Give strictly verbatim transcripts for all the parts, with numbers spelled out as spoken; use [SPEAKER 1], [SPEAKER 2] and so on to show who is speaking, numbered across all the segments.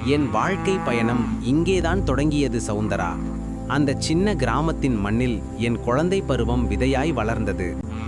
[SPEAKER 1] என் வாழ்க்கை பயணம் இங்கேதான் தொடங்கியது சௌந்தரா. அந்த சின்ன கிராமத்தின் மண்ணில் என் குழந்தை பருவம் விதையாய் வளர்ந்தது.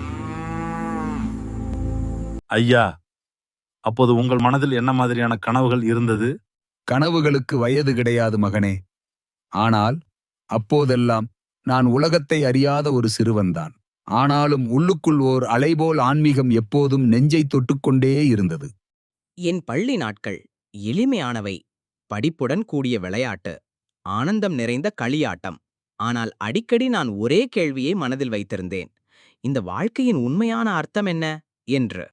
[SPEAKER 2] ஐயா, அப்போது உங்கள் மனதில் என்ன மாதிரியான கனவுகள் இருந்தது?
[SPEAKER 3] கனவுகளுக்கு வயது கிடையாது மகனே. ஆனால் அப்போதெல்லாம் நான் உலகத்தை அறியாத ஒரு சிறுவன்தான். ஆனாலும் உள்ளுக்குள் ஓர் அலைபோல் ஆன்மீகம் எப்போதும் நெஞ்சை தொட்டுக்கொண்டே இருந்தது.
[SPEAKER 4] என் பள்ளி நாட்கள் எளிமையானவை. படிப்புடன் கூடிய விளையாட்டு, ஆனந்தம் நிறைந்த களியாட்டம். ஆனால் அடிக்கடி நான் ஒரே கேள்வியை மனதில் வைத்திருந்தேன், இந்த வாழ்க்கையின் உண்மையான அர்த்தம் என்ன என்று.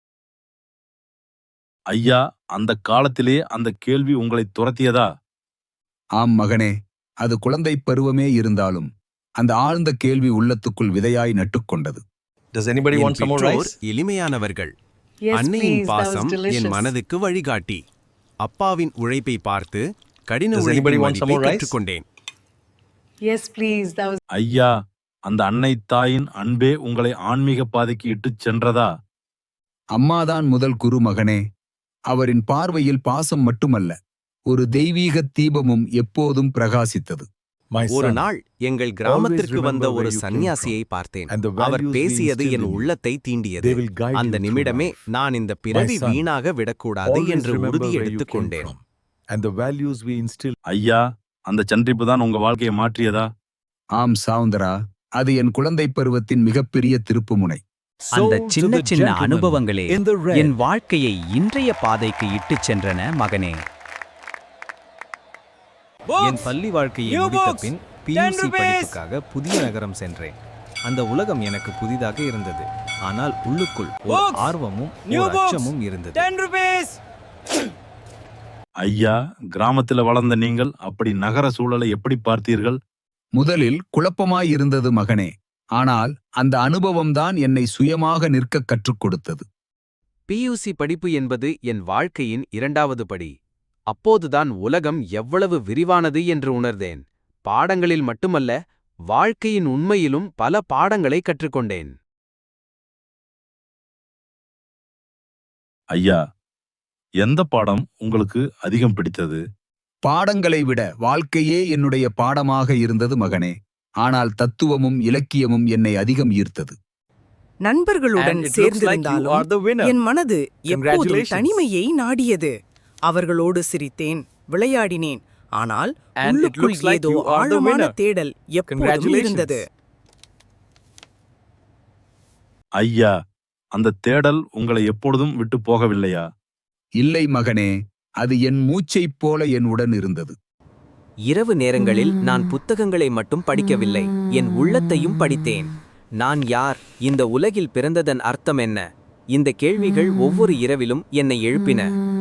[SPEAKER 2] ஐயா, அந்த காலத்திலே அந்த கேள்வி உங்களை துரத்தியதா?
[SPEAKER 3] ஆம் மகனே, அது குழந்தைப் பருவமே இருந்தாலும் அந்த ஆழ்ந்த கேள்வி உள்ளத்துக்குள் விதையாய் நட்டுக்கொண்டது.
[SPEAKER 5] Does anybody want some more rice?
[SPEAKER 1] எளிமையானவர்கள்.
[SPEAKER 6] Yes,
[SPEAKER 1] அன்னையின்
[SPEAKER 6] please, that was
[SPEAKER 1] பாசம்
[SPEAKER 6] delicious.
[SPEAKER 1] என் மனதுக்கு வழிகாட்டி. அப்பாவின் உழைப்பை பார்த்து கடின
[SPEAKER 5] Does
[SPEAKER 1] உழைப்பின்
[SPEAKER 5] anybody want some
[SPEAKER 1] மதிப்பை
[SPEAKER 5] more rice?
[SPEAKER 1] கற்றுக்கொண்டேன்.
[SPEAKER 6] Yes, please, that was
[SPEAKER 2] ஐயா, அந்த அன்னை தாயின் அன்பே உங்களை ஆன்மீக பாதைக்கு இட்டுச் சென்றதா?
[SPEAKER 3] அம்மாதான் முதல் குரு மகனே. அவரின் பார்வையில் பாசம் மட்டுமல்ல, ஒரு தெய்வீக தீபமும் எப்போதும் பிரகாசித்தது.
[SPEAKER 5] My
[SPEAKER 1] ஒரு
[SPEAKER 5] son,
[SPEAKER 1] நாள் எங்கள் கிராமத்திற்கு
[SPEAKER 5] always
[SPEAKER 1] வந்த
[SPEAKER 5] remember
[SPEAKER 1] ஒரு
[SPEAKER 5] where you came
[SPEAKER 1] சந்நியாசியை
[SPEAKER 5] from.
[SPEAKER 1] பார்த்தேன்.
[SPEAKER 5] And the
[SPEAKER 1] our
[SPEAKER 5] values we
[SPEAKER 1] பேசியது
[SPEAKER 5] instilled
[SPEAKER 1] என்
[SPEAKER 5] in you.
[SPEAKER 1] உள்ளத்தை தீண்டியது.
[SPEAKER 5] They will guide
[SPEAKER 1] அந்த
[SPEAKER 5] you through
[SPEAKER 1] நிமிடமே
[SPEAKER 5] life.
[SPEAKER 1] நான் இந்த பிறவி
[SPEAKER 5] My son,
[SPEAKER 1] வீணாக விடக்கூடாது
[SPEAKER 5] always
[SPEAKER 1] என்று
[SPEAKER 5] remember
[SPEAKER 1] உறுதி
[SPEAKER 5] where you
[SPEAKER 1] எடுத்துக்
[SPEAKER 5] came
[SPEAKER 1] கொண்டேன்.
[SPEAKER 5] from. And the values we instilled.
[SPEAKER 2] ஐயா, அந்த சந்திப்பு தான் உங்க வாழ்க்கையை மாற்றியதா?
[SPEAKER 3] ஆம் சௌந்தரா, அது என் குழந்தைப் பருவத்தின் மிகப்பெரிய திருப்புமுனை.
[SPEAKER 7] அந்த
[SPEAKER 5] So to
[SPEAKER 7] சின்ன
[SPEAKER 5] the
[SPEAKER 7] சின்ன
[SPEAKER 5] gentleman
[SPEAKER 7] அனுபவங்களே
[SPEAKER 5] in the red.
[SPEAKER 7] என் வாழ்க்கையை இன்றைய பாதைக்கு இட்டுச் சென்றன மகனே.
[SPEAKER 8] என் பள்ளி வாழ்க்கையை முடித்த பின் பியூசி படிப்புக்காக புதிய நகரம் சென்றேன். அந்த உலகம் எனக்கு புதிதாக இருந்தது. ஆனால் உள்ளுக்குள் ஒரு ஆர்வமும் ஒரு அச்சமும் இருந்தது.
[SPEAKER 2] ஐயா, கிராமத்தில் வளர்ந்த நீங்கள் அப்படி நகர சூழலை எப்படி பார்த்தீர்கள்?
[SPEAKER 3] முதலில் குழப்பமாய் இருந்தது மகனே. ஆனால் அந்த அனுபவம்தான் என்னை சுயமாக நிற்க கற்றுக் கொடுத்தது.
[SPEAKER 1] பியூசி படிப்பு என்பது என் வாழ்க்கையின் இரண்டாவது படி. அப்போதுதான் உலகம் எவ்வளவு விரிவானது என்று உணர்ந்தேன். பாடங்களில் மட்டுமல்ல, வாழ்க்கையின் உண்மையிலும் பல பாடங்களை கற்றுக்கொண்டேன்.
[SPEAKER 2] ஐயா, எந்த பாடம் உங்களுக்கு அதிகம் பிடித்தது?
[SPEAKER 3] பாடங்களை விட வாழ்க்கையே என்னுடைய பாடமாக இருந்தது மகனே. ஆனால் தத்துவமும் இலக்கியமும் என்னை அதிகம் ஈர்த்தது.
[SPEAKER 9] நண்பர்களுடன்
[SPEAKER 5] And it looks like you are
[SPEAKER 9] சேர்ந்திருந்தாலும்
[SPEAKER 5] the winner.
[SPEAKER 9] என் மனது எப்போதும்
[SPEAKER 5] Congratulations.
[SPEAKER 9] தனிமையை நாடியது. அவர்களோடு சிரித்தேன், விளையாடினேன். ஆனால்
[SPEAKER 5] And it
[SPEAKER 9] உள்ளுக்குள்
[SPEAKER 5] looks like
[SPEAKER 9] ஏதோ
[SPEAKER 5] you are the
[SPEAKER 9] ஆழமான
[SPEAKER 5] winner.
[SPEAKER 9] தேடல் எப்போதும்
[SPEAKER 5] Congratulations.
[SPEAKER 9] இருந்தது.
[SPEAKER 2] ஐயா, அந்த தேடல் உங்களை எப்பொழுதும் விட்டு போகவில்லையா?
[SPEAKER 3] இல்லை மகனே, அது என் மூச்சைப் போல என் உடன் இருந்தது.
[SPEAKER 4] இரவு நேரங்களில் நான் புத்தகங்களை மட்டும் படிக்கவில்லை, என் உள்ளத்தையும் படித்தேன். நான் யார்? இந்த உலகில் பிறந்ததன் அர்த்தம் என்ன? இந்த கேள்விகள் ஒவ்வொரு இரவிலும் என்னை எழுப்பின.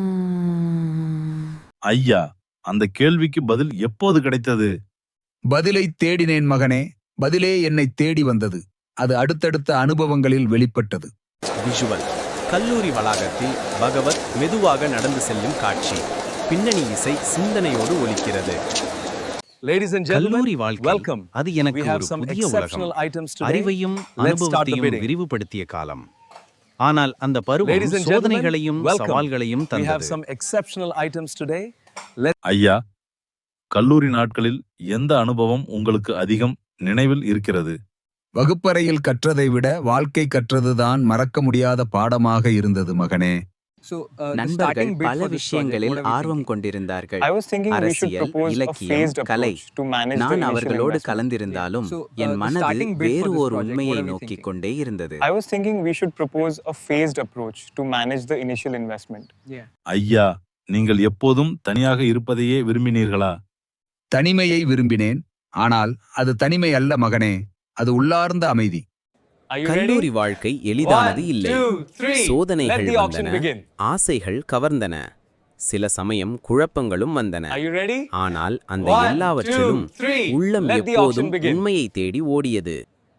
[SPEAKER 2] ஐயா, அந்த கேள்விக்கு பதில் எப்போது கிடைத்தது?
[SPEAKER 3] பதிலை தேடினேன் மகனே. பதிலே என்னை தேடி வந்தது. அது அடுத்தடுத்த அனுபவங்களில் வெளிப்பட்டது.
[SPEAKER 1] விஷுவல். கல்லூரி வளாகத்தில் பகவத் மெதுவாக நடந்து செல்லும் காட்சி. பின்னணி இசை சிந்தனையோடு ஒலிக்கிறது.
[SPEAKER 5] Ladies and gentlemen,
[SPEAKER 1] கல்லூரி வாழ்க்கை
[SPEAKER 5] welcome.
[SPEAKER 1] அது எனக்கு
[SPEAKER 5] We have
[SPEAKER 1] ஒரு
[SPEAKER 5] some
[SPEAKER 1] புதிய
[SPEAKER 5] exceptional
[SPEAKER 1] உலகம்.
[SPEAKER 5] items today.
[SPEAKER 1] அறிவையும்
[SPEAKER 5] Let's start the
[SPEAKER 1] அனுபவத்தையும்
[SPEAKER 5] bidding.
[SPEAKER 1] விரிவுபடுத்திய காலம். ஆனால் அந்த பருவம்
[SPEAKER 5] Ladies and
[SPEAKER 1] சோதனைகளையும்
[SPEAKER 5] gentlemen, welcome.
[SPEAKER 1] சவால்களையும்
[SPEAKER 5] We have
[SPEAKER 1] தந்தது.
[SPEAKER 5] some exceptional items today. Let's
[SPEAKER 2] ஐயா, கல்லூரி நாட்களில் எந்த அனுபவம் உங்களுக்கு அதிகம் நினைவில் இருக்கிறது?
[SPEAKER 3] வகுப்பறையில் கற்றதை விட வாழ்க்கை கற்றதுதான் மறக்க முடியாத பாடமாக இருந்தது மகனே.
[SPEAKER 5] So, uh, the
[SPEAKER 4] நண்பர்கள்
[SPEAKER 5] starting bid
[SPEAKER 4] பல
[SPEAKER 5] for this
[SPEAKER 4] விஷயங்களில்
[SPEAKER 5] project, what are we
[SPEAKER 4] ஆர்வம்
[SPEAKER 5] thinking?
[SPEAKER 4] கொண்டிருந்தார்கள்.
[SPEAKER 10] I was thinking we should
[SPEAKER 4] அரசியல்,
[SPEAKER 10] propose a
[SPEAKER 4] இலக்கியம்,
[SPEAKER 10] phased
[SPEAKER 4] Kalai.
[SPEAKER 10] approach to manage the
[SPEAKER 4] நான்
[SPEAKER 10] initial
[SPEAKER 4] அவர்களோடு
[SPEAKER 10] investment.
[SPEAKER 4] கலந்திருந்தாலும்
[SPEAKER 5] So, uh,
[SPEAKER 4] N
[SPEAKER 5] the
[SPEAKER 4] மனது
[SPEAKER 5] starting bid for
[SPEAKER 4] வேறு
[SPEAKER 5] this
[SPEAKER 4] ஓர்
[SPEAKER 5] project,
[SPEAKER 4] உண்மையை
[SPEAKER 5] what are we
[SPEAKER 4] நோக்கிக்
[SPEAKER 5] thinking?
[SPEAKER 4] கொண்டே இருந்தது.
[SPEAKER 10] I was thinking we should propose a phased approach to manage the initial investment.
[SPEAKER 2] ஐயா, நீங்கள் எப்போதும் தனியாக இருப்பதையே விரும்பினீர்களா?
[SPEAKER 3] தனிமையை விரும்பினேன். ஆனால் அது தனிமை அல்ல மகனே, அது உள்ளார்ந்த அமைதி.
[SPEAKER 10] Are you
[SPEAKER 4] கல்லூரி
[SPEAKER 10] ready?
[SPEAKER 4] வாழ்க்கை எளிதானது
[SPEAKER 10] One,
[SPEAKER 4] இல்லை.
[SPEAKER 10] two, three.
[SPEAKER 4] சோதனைகள்
[SPEAKER 10] Let the auction
[SPEAKER 4] வந்தன,
[SPEAKER 10] begin.
[SPEAKER 4] ஆசைகள் கவர்ந்தன, சில சமயம் குழப்பங்களும் வந்தன.
[SPEAKER 10] Are you ready?
[SPEAKER 4] ஆனால் அந்த
[SPEAKER 10] One,
[SPEAKER 4] எல்லாவற்றிலும்
[SPEAKER 10] two, three.
[SPEAKER 4] உள்ளம்
[SPEAKER 10] Let the
[SPEAKER 4] எப்போதும்
[SPEAKER 10] auction begin.
[SPEAKER 4] உண்மையை தேடி ஓடியது.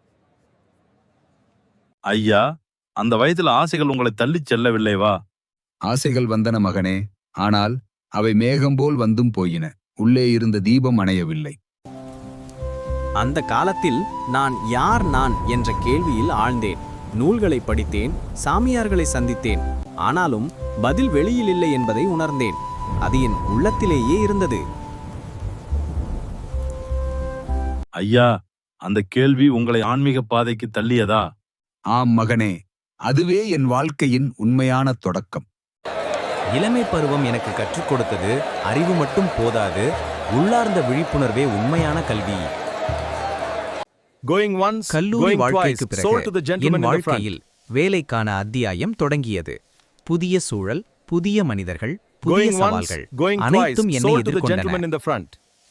[SPEAKER 2] ஐயா, அந்த வயதில் ஆசைகள் உங்களை தள்ளிச் செல்லவில்லைவா?
[SPEAKER 3] ஆசைகள் வந்தன மகனே, ஆனால் அவை மேகம் போல் வந்தும் போயின. உள்ளே இருந்த தீபம் அணையவில்லை.
[SPEAKER 1] அந்த காலத்தில் நான் யார் நான் என்ற கேள்வியில் ஆழ்ந்தேன். நூல்களை படித்தேன், சாமியார்களை சந்தித்தேன். ஆனாலும் பதில் வெளியில் இல்லை என்பதை உணர்ந்தேன்.
[SPEAKER 8] அது என் உள்ளத்திலேயே இருந்தது.
[SPEAKER 2] ஐயா, அந்த கேள்வி உங்களை ஆன்மீக பாதைக்கு தள்ளியதா?
[SPEAKER 3] ஆம் மகனே, அதுவே என் வாழ்க்கையின் உண்மையான தொடக்கம்.
[SPEAKER 7] இளமை பருவம் எனக்கு கற்றுக் கொடுத்தது அறிவு மட்டும் போதாது, உள்ளார்ந்த விழிப்புணர்வே உண்மையான கல்வி.
[SPEAKER 5] Going once,
[SPEAKER 8] கல்லூரி
[SPEAKER 5] going twice,
[SPEAKER 8] வாழ்க்கைக்கு
[SPEAKER 5] sold
[SPEAKER 8] பிறகு
[SPEAKER 5] to the
[SPEAKER 8] N
[SPEAKER 5] gentleman in the front.
[SPEAKER 8] வாழ்க்கையில் வேலைக்கான அத்தியாயம் தொடங்கியது. புதிய சூழல், புதிய மனிதர்கள், புதிய
[SPEAKER 5] Going once,
[SPEAKER 8] சவால்கள்
[SPEAKER 5] going twice,
[SPEAKER 8] அனைத்தும் என்னை
[SPEAKER 5] sold to the
[SPEAKER 8] எதிர்கொண்டன.
[SPEAKER 5] gentleman in the front.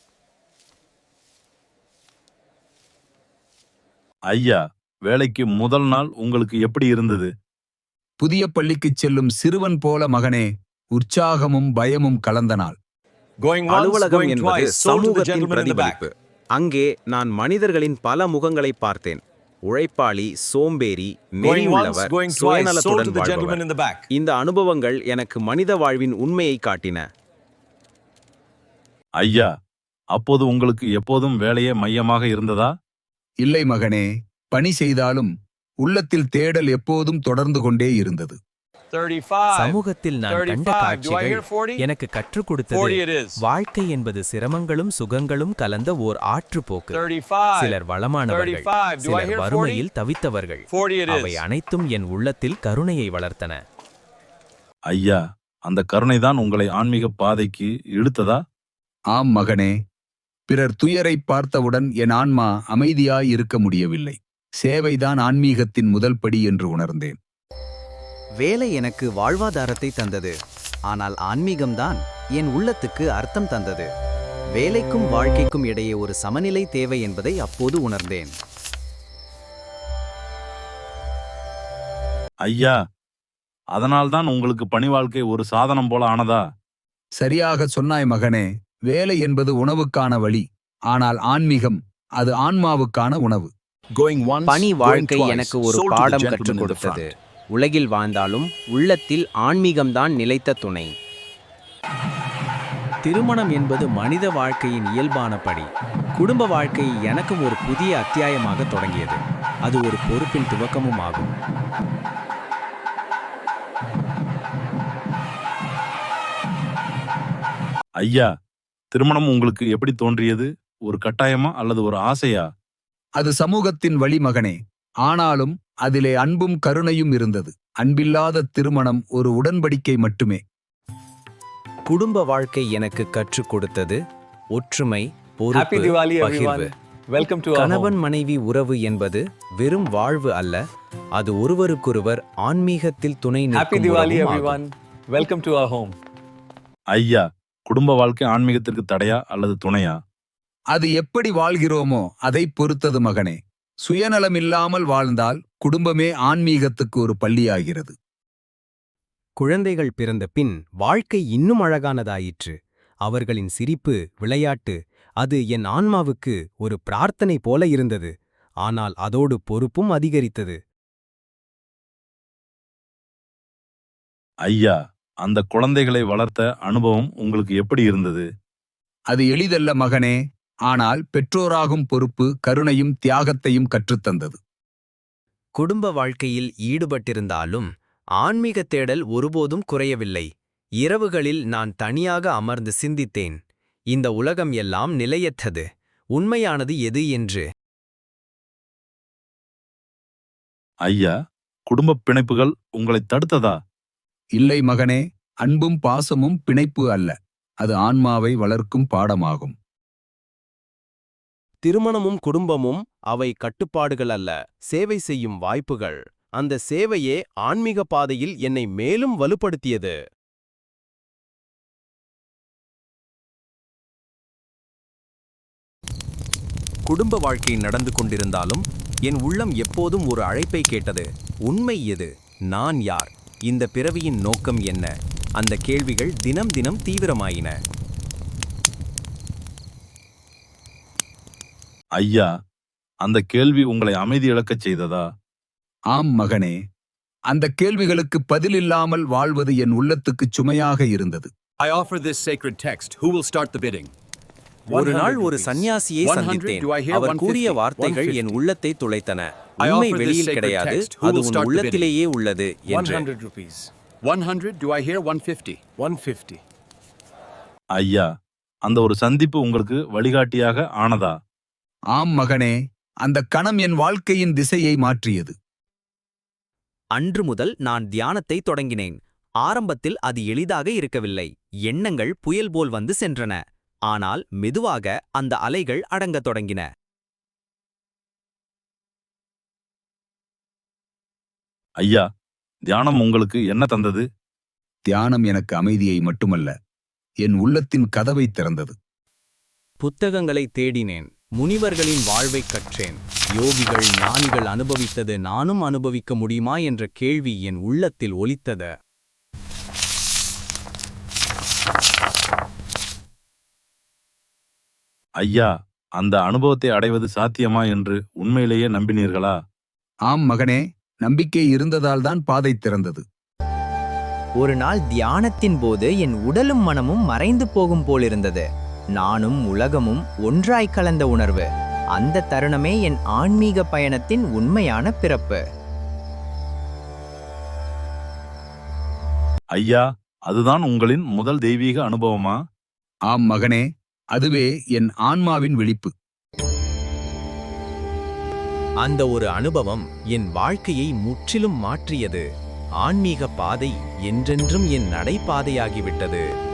[SPEAKER 2] ஐயா, வேலைக்கு முதல் நாள் உங்களுக்கு எப்படி இருந்தது?
[SPEAKER 3] புதிய பள்ளிக்குச் செல்லும் சிறுவன் போல மகனே, உற்சாகமும் பயமும் கலந்த நாள்.
[SPEAKER 5] Going once,
[SPEAKER 1] அலுவலகம்
[SPEAKER 5] going
[SPEAKER 1] என்பது
[SPEAKER 5] twice, sold to the
[SPEAKER 1] சமூகத்தின்
[SPEAKER 5] gentleman in the back.
[SPEAKER 1] பிரதிபலிப்பு. அங்கே நான் மனிதர்களின் பல முகங்களை பார்த்தேன். உழைப்பாளி, சோம்பேறி,
[SPEAKER 5] Going once,
[SPEAKER 1] நெறியுள்ளவர்,
[SPEAKER 5] going twice, sold to
[SPEAKER 1] சுயநலத்துடன்
[SPEAKER 5] the gentleman
[SPEAKER 1] வாழ்பவர்.
[SPEAKER 5] in the back.
[SPEAKER 1] இந்த அனுபவங்கள் எனக்கு மனித வாழ்வின் உண்மையை காட்டின.
[SPEAKER 2] ஐயா, அப்போது உங்களுக்கு எப்போதும் வேலையே மையமாக இருந்ததா?
[SPEAKER 3] இல்லை மகனே, பணி செய்தாலும் உள்ளத்தில் தேடல் எப்போதும் தொடர்ந்து கொண்டே இருந்தது.
[SPEAKER 5] thirty-five.
[SPEAKER 7] சமூகத்தில் நான் கண்ட
[SPEAKER 5] thirty-five. Do I
[SPEAKER 7] காட்சிகள்
[SPEAKER 5] hear forty?
[SPEAKER 7] எனக்கு கற்றுக்
[SPEAKER 5] forty
[SPEAKER 7] கொடுத்தது
[SPEAKER 5] it is.
[SPEAKER 7] வாழ்க்கை என்பது சிரமங்களும் சுகங்களும் கலந்த ஓர் ஆற்றுப்போக்கு.
[SPEAKER 5] thirty-five.
[SPEAKER 7] சிலர் வளமானவர்கள்,
[SPEAKER 5] thirty-five. Do I
[SPEAKER 7] சிலர்
[SPEAKER 5] hear forty?
[SPEAKER 7] வறுமையில் தவித்தவர்கள்.
[SPEAKER 5] forty it
[SPEAKER 7] அவை
[SPEAKER 5] is.
[SPEAKER 7] அனைத்தும் என் உள்ளத்தில் கருணையை வளர்த்தன.
[SPEAKER 2] ஐயா, அந்த கருணைதான் உங்களை ஆன்மீக பாதைக்கு இழுத்ததா?
[SPEAKER 3] ஆம் மகனே, பிறர் துயரை பார்த்தவுடன் என் ஆன்மா அமைதியாய் இருக்க முடியவில்லை. சேவைதான் ஆன்மீகத்தின் முதல் படி என்று உணர்ந்தேன்.
[SPEAKER 7] வேலை எனக்கு வாழ்வாதாரத்தை தந்தது, ஆனால் ஆன்மீகம்தான் என் உள்ளத்துக்கு அர்த்தம் தந்தது. வேலைக்கும் வாழ்க்கைக்கும் இடையே ஒரு சமநிலை தேவை என்பதை அப்போது உணர்ந்தேன்.
[SPEAKER 2] ஐயா, அதனால்தான் உங்களுக்கு பணி வாழ்க்கை ஒரு சாதனம் போல ஆனதா?
[SPEAKER 3] சரியாக சொன்னாய் மகனே, வேலை என்பது உணவுக்கான வழி, ஆனால் ஆன்மீகம் அது ஆன்மாவுக்கான உணவு.
[SPEAKER 5] Going once,
[SPEAKER 1] பணி
[SPEAKER 5] going
[SPEAKER 1] வாழ்க்கை
[SPEAKER 5] twice,
[SPEAKER 1] எனக்கு ஒரு
[SPEAKER 5] sold to the
[SPEAKER 1] பாடம்
[SPEAKER 5] gentleman
[SPEAKER 1] கற்றுக்
[SPEAKER 5] in the
[SPEAKER 1] கொடுத்தது.
[SPEAKER 5] front.
[SPEAKER 1] உலகில் வாழ்ந்தாலும் உள்ளத்தில் ஆன்மீகம்தான் நிலைத்த துணை. திருமணம் என்பது மனித வாழ்க்கையின் இயல்பான படி. குடும்ப வாழ்க்கை எனக்கும் ஒரு புதிய அத்தியாயமாக தொடங்கியது. அது ஒரு பொறுப்பின் துவக்கமும் ஆகும்.
[SPEAKER 2] ஐயா, திருமணம் உங்களுக்கு எப்படி தோன்றியது? ஒரு கட்டாயமா அல்லது ஒரு ஆசையா?
[SPEAKER 3] அது சமூகத்தின் வழி மகனே, ஆனாலும் அதிலே அன்பும் கருணையும் இருந்தது. அன்பில்லாத திருமணம் ஒரு உடன்படிக்கை மட்டுமே.
[SPEAKER 8] குடும்ப வாழ்க்கை எனக்கு கற்றுக் கொடுத்தது ஒற்றுமை,
[SPEAKER 5] Happy
[SPEAKER 8] பொறுப்பு,
[SPEAKER 5] Diwali,
[SPEAKER 8] பகிர்வு.
[SPEAKER 5] everyone. Welcome to our
[SPEAKER 8] கணவன்
[SPEAKER 5] home.
[SPEAKER 8] மனைவி உறவு என்பது வெறும் வாழ்வு அல்ல, அது ஒருவருக்கொருவர் ஆன்மீகத்தில் துணை
[SPEAKER 5] Happy
[SPEAKER 8] நிற்கும்
[SPEAKER 5] Diwali,
[SPEAKER 8] உறவும் ஆகும்.
[SPEAKER 5] everyone. Welcome to our home.
[SPEAKER 2] ஐயா, குடும்ப வாழ்க்கை ஆன்மீகத்திற்கு தடையா அல்லது துணையா?
[SPEAKER 3] அது எப்படி வாழ்கிறோமோ அதை பொறுத்தது மகனே. சுயநலமில்லாமல் வாழ்ந்தால் குடும்பமே ஆன்மீகத்துக்கு ஒரு பள்ளியாகிறது.
[SPEAKER 8] குழந்தைகள் பிறந்த பின் வாழ்க்கை இன்னும் அழகானதாயிற்று. அவர்களின் சிரிப்பு, விளையாட்டு, அது என் ஆன்மாவுக்கு ஒரு பிரார்த்தனை போல இருந்தது. ஆனால் அதோடு பொறுப்பும் அதிகரித்தது.
[SPEAKER 2] ஐயா, அந்த குழந்தைகளை வளர்த்த அனுபவம் உங்களுக்கு எப்படி இருந்தது?
[SPEAKER 3] அது எளிதல்ல மகனே, ஆனால் பெற்றோராகும் பொறுப்பு கருணையும் தியாகத்தையும் கற்றுத்தந்தது.
[SPEAKER 7] குடும்ப வாழ்க்கையில் ஈடுபட்டிருந்தாலும் ஆன்மீக தேடல் ஒருபோதும் குறையவில்லை. இரவுகளில் நான் தனியாக அமர்ந்து சிந்தித்தேன். இந்த உலகம் எல்லாம் நிலையற்றது, உண்மையானது எது என்று.
[SPEAKER 2] ஐயா, குடும்ப பிணைப்புகள் உங்களை தடுத்ததா?
[SPEAKER 3] இல்லை மகனே, அன்பும் பாசமும் பிணைப்பு அல்ல, அது ஆன்மாவை வளர்க்கும் பாடமாகும்.
[SPEAKER 11] திருமணமும் குடும்பமும் அவை கட்டுப்பாடுகள் அல்ல, சேவை செய்யும் வாய்ப்புகள். அந்த சேவையே ஆன்மீக பாதையில் என்னை மேலும் வலுப்படுத்தியது.
[SPEAKER 7] குடும்ப வாழ்க்கை நடந்து கொண்டிருந்தாலும் என் உள்ளம் எப்போதும் ஒரு அழைப்பை கேட்டது. உண்மை எது? நான் யார்? இந்த பிறவியின் நோக்கம் என்ன? அந்த கேள்விகள் தினம் தினம் தீவிரமாயின.
[SPEAKER 2] ஐயா, அந்த கேள்வி உங்களை அமைதி இழக்கச் செய்ததா?
[SPEAKER 3] ஆம் மகனே, அந்த கேள்விகளுக்கு பதிலில்லாமல் வாழ்வது என் உள்ளத்துக்குச் சுமையாக இருந்தது.
[SPEAKER 12] I offer this sacred text. Who will start the bidding?
[SPEAKER 1] ஒரு நாள் ஒரு சன்னியாசியை சந்தித்தேன். அவர் கூறிய வார்த்தைகள் என் உள்ளத்தை துளைத்தன. உண்மை வெளியில் கிடையாது, அது உன் உள்ளத்திலேயே உள்ளது என்று.
[SPEAKER 12] one hundred rupees. one hundred. Do I hear one fifty? one fifty.
[SPEAKER 2] ஐயா, அந்த ஒரு சந்திப்பு உங்களுக்கு வழிகாட்டியாக ஆனதா?
[SPEAKER 3] ஆம் மகனே, அந்த கணம் என் வாழ்க்கையின் திசையை மாற்றியது.
[SPEAKER 13] அன்று முதல் நான் தியானத்தை தொடங்கினேன். ஆரம்பத்தில் அது எளிதாக இருக்கவில்லை. எண்ணங்கள் புயல் போல் வந்து சென்றன. ஆனால் மெதுவாக அந்த அலைகள் அடங்கத் தொடங்கின.
[SPEAKER 2] ஐயா, தியானம் உங்களுக்கு என்ன தந்தது?
[SPEAKER 3] தியானம் எனக்கு அமைதியை மட்டுமல்ல, என் உள்ளத்தின் கதவை திறந்தது.
[SPEAKER 4] புத்தகங்களை தேடினேன், முனிவர்களின் வாழ்வைக் கற்றேன். யோகிகள் ஞானிகள் அனுபவித்தது நானும் அனுபவிக்க முடியுமா என்ற கேள்வி என் உள்ளத்தில் ஒலித்தது.
[SPEAKER 2] ஐயா, அந்த அனுபவத்தை அடைவது சாத்தியமா என்று உண்மையிலேயே நம்பினீர்களா?
[SPEAKER 3] ஆம் மகனே, நம்பிக்கை இருந்ததால்தான் பாதை திறந்தது.
[SPEAKER 4] ஒரு நாள் தியானத்தின் போது என் உடலும் மனமும் மறைந்து போகும் போலிருந்தது. நானும் உலகமும் ஒன்றாய் கலந்த உணர்வு. அந்த தருணமே என் ஆன்மீக பயணத்தின் உண்மையான பிறப்பு.
[SPEAKER 2] ஐயா, அதுதான் உங்களின் முதல் தெய்வீக அனுபவமா?
[SPEAKER 3] ஆம் மகனே, அதுவே என் ஆன்மாவின் விழிப்பு.
[SPEAKER 7] அந்த ஒரு அனுபவம் என் வாழ்க்கையை முற்றிலும் மாற்றியது. ஆன்மீக பாதை என்றென்றும் என் நடைபாதையாகிவிட்டது.